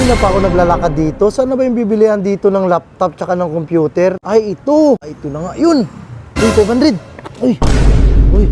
Kanina pa ako naglalakad dito. Saan na ba yung bibilihan dito ng laptop tsaka ng computer? Ay, ito! Ay, ito na nga. Yun! Uy, 500! Uy! Uy!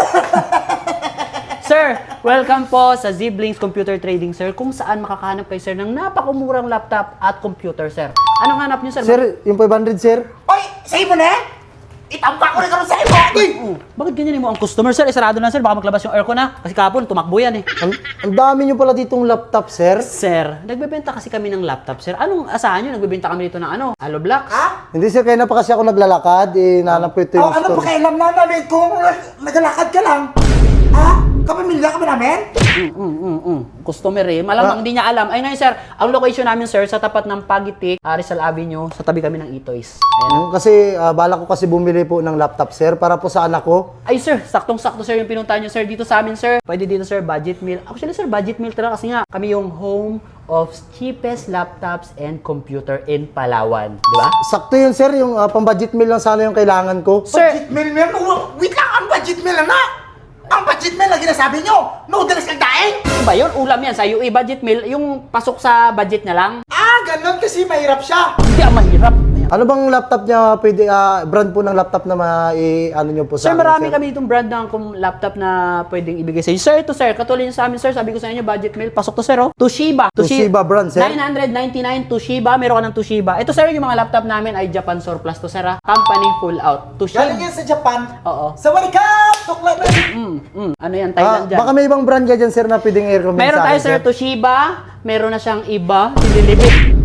Sir, welcome po sa Zblings Computer Trading, sir, kung saan makakahanap kayo, sir, ng napakamurang laptop at computer, sir. Anong hanap niyo, sir? Sir, yung 500, sir? Oy, sa'yo mo na? Itampa ko na karoon sa'yo mo! Uy! Bakit ganyan mo ang customer, sir? Isarado na, sir. Baka maglabas yung aircon na. Kasi kahapon, tumakbo yan, eh. Ang dami nyo pala ditong laptop, sir. Sir, nagbebenta kasi kami ng laptop, sir. Anong asahan nyo? Nagbebenta kami dito ng ano? Halo Blocks? Ha? Hindi, sir. Kaya na pa kasi ako naglalakad. Nahanap ko ito yung Ano store. pa kailam na namin kung naglalakad ka lang? Ha? Kapamilya ka ba namin? Customer, eh. Malamang hindi niya alam. Ay, ngayon, sir, ang location namin, sir, sa tapat ng Pagitik, Rizal Avenue, sa tabi kami ng Itoys. Ayan. Kasi bala ko kasi bumili po ng laptop, sir, para po sa anak ko. Ay, sir, saktong-sakto, sir, yung pinuntahan nyo, sir, dito sa amin, sir. Pwede dito, sir, budget meal. Actually, sir, budget meal talaga kasi nga, kami yung home of cheapest laptops and computer in Palawan. Di ba? Sakto yun, sir. Yung pang-budget meal lang sana yung kailangan ko. Sir, Budget meal meal? Wait lang, ang budget meal na! Ang budget meal na ginasabi nyo! Noodles kang daing! ano ba yun? Ulam yan sa UE budget meal. Yung pasok sa budget na lang. Ganun kasi mahirap siya! Hindi ang mahirap. Ayan. Ano bang laptop niya pwede, brand po ng laptop na ano nyo po sa Sir, amin, marami sir? kami ditong brand ng laptop na pwedeng ibigay sa inyo. Sir, ito, sir, katulad yun sa amin, sir. Sabi ko sa inyo, budget meal. Pasok to, sir, oh. Toshiba. Toshiba brand, sir? 999 Toshiba. Meron ka ng Toshiba. Ito, sir, yung mga laptop namin ay Japan surplus to, sir, ah. Company full out. Toshiba. Galing yan sa Japan. Oo. Sawadikap! Tukla na! Ano yan, Thailand dyan? Baka may ibang brand ka dyan, sir, na pwedeng i-recommend Meron sa tayo, akin, sir, Toshiba. Meron na siyang iba. Sililibit.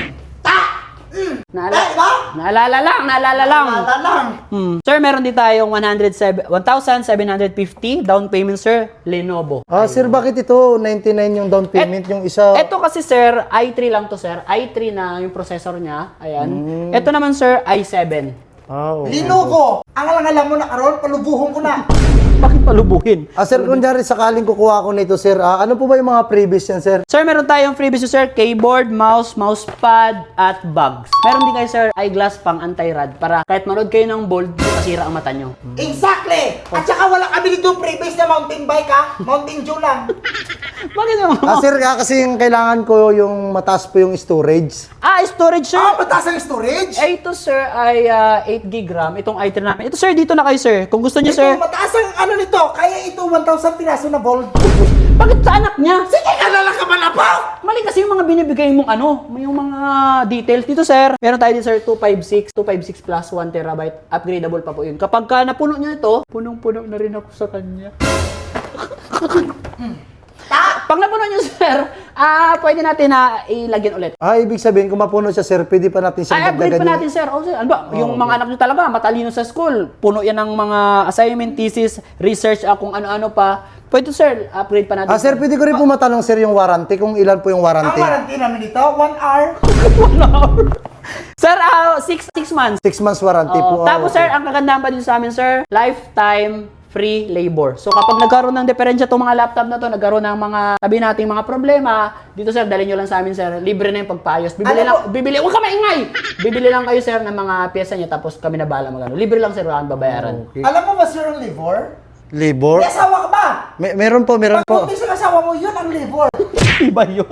Naalala lang. Wala lang! Sir, meron din tayong 1,750 down payment, sir. Lenovo. Sir, bakit ito 99 yung down payment, yung isa? Ito kasi, sir, i3 lang to, sir. i3 na yung processor niya. Ayan. Ito naman, sir, i7. Okay. Linovo! Ang alam mo na karoon, palubuhon ko na! Bakit palubuhin? Sir, kunyari sakaling kukuha ko nito, sir, ano po ba yung mga previous yan, sir? Sir, meron tayong freebies, sir. Keyboard, mousepad, at bags. Meron din kayo, sir, eyeglass pang anti-rad para kahit manood kayo ng bold, masira ang mata nyo. Exactly! At saka wala kami dito previous na mountain bike ha? Mountain Dew lang. Bakit naman? Sir, kasi yung kailangan ko yung mataas po yung storage. Storage, sir. Mataas ang storage! Ito, sir, ay 8 gig RAM. Itong i3 namin. Ito, sir, dito na kayo, sir. Kung gusto niyo, sir. Mataas ang ano nito, kaya ito 1,000 piraso na bold. Bakit sa anak niya? Sige ka na lang ka man apa! Mali kasi yung mga binibigay mong yung mga details. Dito, sir, meron tayo dito, sir, 256 plus 1 terabyte. Upgradable pa po yun. Kapag napuno niya ito, punong-puno na rin ako sa kanya. Pag napuno niyo, sir, pwede natin na ilagyan ulit. Ibig sabihin, kung mapuno siya, sir, pwede pa natin siyang Upgrade pa dagdagan natin, sir. Sir, ano ba? Yung mga anak nyo talaga, matalino sa school. Puno yan ng mga assignment, thesis, research, kung ano-ano pa. Pwede, sir, upgrade pa natin. Sir, pwede ko rin po matanong, sir, yung warranty, kung ilan po yung Ang warranty. warranty namin dito, 1 hour. 1 hour. Sir, 6 months. 6 months warranty po. Tapos, sir, ang kagandahan pa din sa amin, sir, lifetime free labor. So, kapag nagkaroon ng diferensya itong mga laptop na to, nagkaroon ng mga, sabi natin, mga problema, dito, sir, dalhin nyo lang sa amin, sir. Libre na yung pagpaayos. Huwag ka maingay! Bibili lang kayo, sir, ng mga pyesa niya, tapos kami na bahala magano. Libre lang, sir, wala kang babayaran. Okay. Alam mo ba, sir, ang livor? Labor? May asawa ka ba? Meron po. Kung may asawa mo, yun ang livor. Iba yun.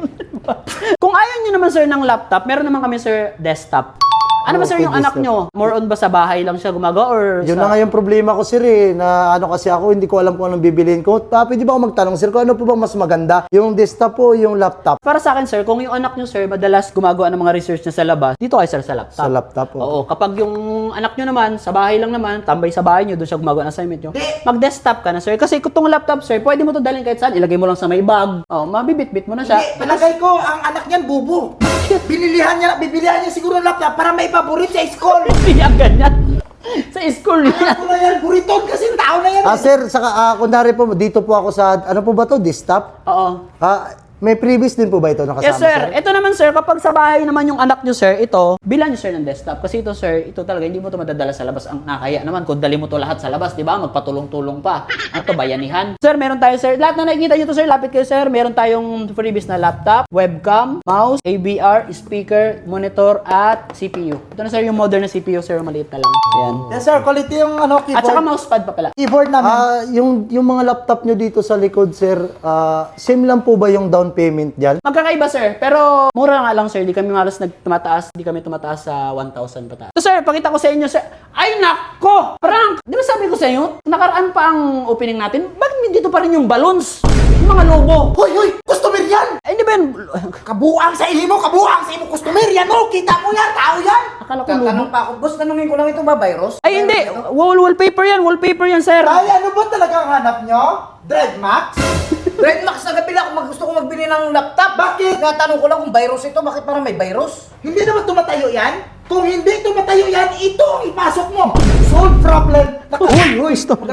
Kung ayaw nyo naman, sir, ng laptop, meron naman kami, sir, desktop. Ano ba, sir, Okay, yung anak nyo? More on ba sa bahay lang siya gumagawa or Yun na nga yung problema ko, sir, na ano kasi ako, hindi ko alam kung anong bibiliin ko. Pwede ba ako magtanong, sir, kung ano po ba mas maganda? Yung desktop o yung laptop? Para sa akin, sir, kung yung anak nyo, sir, madalas gumagawa ng mga research niya sa labas, dito kayo, sir, sa laptop. Sa laptop, Oo. Kapag yung anak nyo naman, sa bahay lang naman, tambay sa bahay nyo, doon siya gumagawa ng assignment nyo, mag-desktop ka na, sir. Kasi kung itong laptop, sir, pwede mo to dalhin kahit saan. Ilagay mo lang sa may bag. Mabibit-bit mo na siya. Hindi, palagay ko, ang anak niyan, bubo. Bibilihan niya siguro ng laptop para may paborit sa school. Hindi yan ganyan. Sa school niya. Ako na yan, buriton kasi tao na yan. Sir, saka, kunwari po, dito po ako sa, ano po ba to, desktop? Oo. May previous din po ba ito nakasama, Yes, sir. Ito naman, sir, kapag sa bahay naman yung anak nyo, sir, ito, bilan nyo, sir, ng desktop. Kasi ito, sir, ito talaga, hindi mo to madadala sa labas. Ang nakaya naman, kung dali mo to lahat sa labas, di ba? Magpatulong-tulong pa. Ano to, bayanihan? Sir, meron tayo, sir. Lahat na nakikita nyo to, sir, lapit kayo, sir. Meron tayong freebies na laptop, webcam, mouse, AVR, speaker, monitor, at CPU. Ito na, sir, yung modern na CPU, sir, maliit na lang. Ayan. Yes, sir, quality yung keyboard. At saka mousepad pa pala. Keyboard namin. yung mga laptop nyo dito sa likod, sir, same lang po ba yung down payment dyan. Magkakaiba, sir. Pero mura nga lang, sir. Di kami malas di kami tumataas sa 1,000 pataas. So, sir, pakita ko sa inyo, sir. Ay, nako! Prank! Di ba sabi ko sa inyo, nakaraan pa ang opening natin, bakit dito pa rin yung balloons? Yung mga lobo. Hoy! Customer yan! Ay, di ba yan? Kabuang sa imo customer yan, no? Kita mo yan, tao yan! Akala ko lobo. Tatanong pa ako, boss, tanungin ko lang ito ba, virus? Ay, hindi. Wallpaper yan, sir. Ay, ano ba talagang hanap nyo? Dreadmax? Redmax na gabi lang gusto ko magbili ng laptop. Bakit? Natanong ko lang kung virus ito, bakit parang may virus? Hindi naman tumatayo yan? Kung hindi tumatayo yan, ito ang ipasok mo! Solve problem! Uy, stop.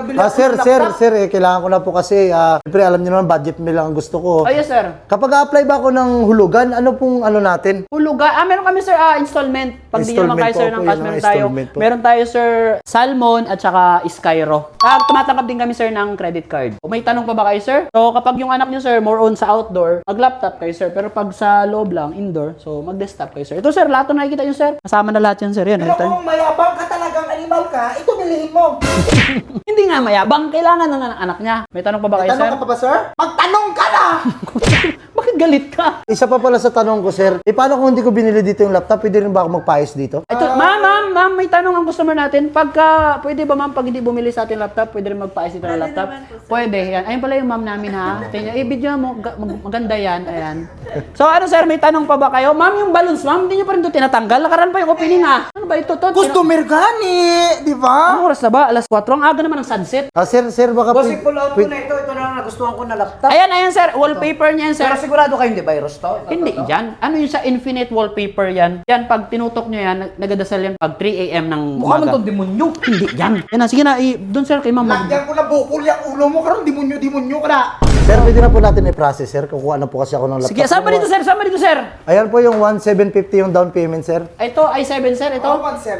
Sir, kailangan ko na po kasi, siyempre alam niyo naman, budget meal lang ang gusto ko. Ay, yes, sir. Kapag apply ba ako ng hulugan, ano pong ano natin? Huluga. Meron kami, sir, installment. Pag di nyo naman kayo, sir, Installment ng po, cash, yun, meron tayo. installment po. Meron tayo, sir, Salmon at saka Skyro. Tumatanggap din kami, sir, ng credit card. Kung may tanong pa ba kayo, sir? So, kapag yung anak nyo, sir, more on sa outdoor, mag-laptop kayo, sir. Pero pag sa loob lang, indoor, so mag-desktop kayo, sir. Ito, sir, lahat na nakikita nyo, sir. Kasama na lahat yan, sir. Yan, Pero ito. kung mayabang ka talagang animal ka, ito bilhin mo! Hindi nga mayabang. Kailangan ng anak niya. May tanong pa ba kayo, sir? Tanong ka pa ba, sir? Magtanong ka na! Bakit galit ka? Isa pa pala sa tanong ko, sir, paano kung hindi ko binili dito yung laptop, pwede rin ba ako magpaayos dito? Ito, ma'am, may tanong ang customer natin. Pwede ba ma'am, pag hindi bumili sa ating laptop, pwede rin magpaayos dito ng laptop? Pwede, yan. Ayun pala yung ma'am namin, ha? Tingnan, video mo, maganda yan, ayan. So, ano sir, may tanong pa ba kayo? Ma'am, yung balloons, ma'am, hindi nyo pa rin ito tinatanggal. Lakaran pa yung opening, ha? Ano ba ito? Customer gani, di ba? Anong oras na ba? Alas 4. Ang aga naman ng sunset. Sir, baka Boss, i-pull out ko na ito na lang nagustuhan ko na laptop. Ayan, sir. Wallpaper niya yan, sir. Pero sigurado kayo hindi virus to? Hindi yan. Ano yung sa infinite wallpaper yan? Yan, pag tinutok nyo yan, nagadasal yan pag 3 a.m. ng Mukha man umaga. itong demonyo. Hindi yan. Yan na, sige na. Doon sir, kay ma'am. Lagyan ko na bukol yung ulo mo, karon demonyo ka na. Sir, pwede na po natin i-process, sir. Kukuha na po kasi ako ng laptop. Sige, saan ba dito, sir? Saan ba dito, sir? Ayan po yung 1,750 yung down payment, sir. Ito, i7, sir. Ito.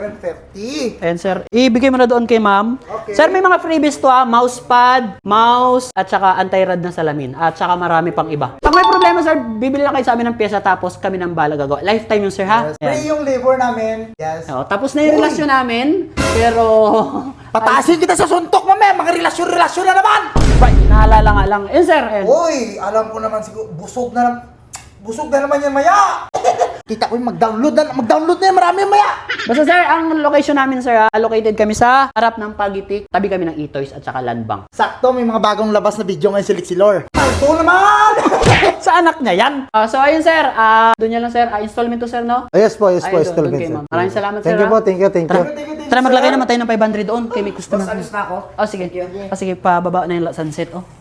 1,750. Ayan, sir. Ibigay mo na doon kay ma'am. Okay. Sir, may mga freebies to, mousepad, mouse, at saka anti-rad na salamin. At saka marami pang iba. Pag may problema, sir, bibili lang kayo sa amin ng pyesa tapos kami ng bala gagawa. Lifetime yun, sir, ha? Yes. Free yung labor namin. Yes. Oo, tapos na yung relasyon namin, pero... Pataasin kita sa suntok, mamaya. Mga relasyon na naman. Ay, naalala nga lang. Yun, sir. Ayan. Uy, alam ko naman siguro, busog na naman yan maya. Kita ko yung mag-download na yan, marami yan maya. Basta sir, ang location namin sir, allocated kami sa harap ng Pagitik, tabi kami ng E-Toys at saka Land Bank. Sakto, may mga bagong labas na video ngayon si Lixilor. Palto naman! Sa anak niya yan. So ayun sir, doon niya lang sir, installment to sir, no? Yes po, Ayun, doon installment, kay sir. ma'am. Maraming salamat sir. Thank you ha? po, thank you. Tara maglagay naman tayo ng 500 doon kay may customer. Boss, alis na ako. Oh sige. Oh sige, pababa na yung sunset oh.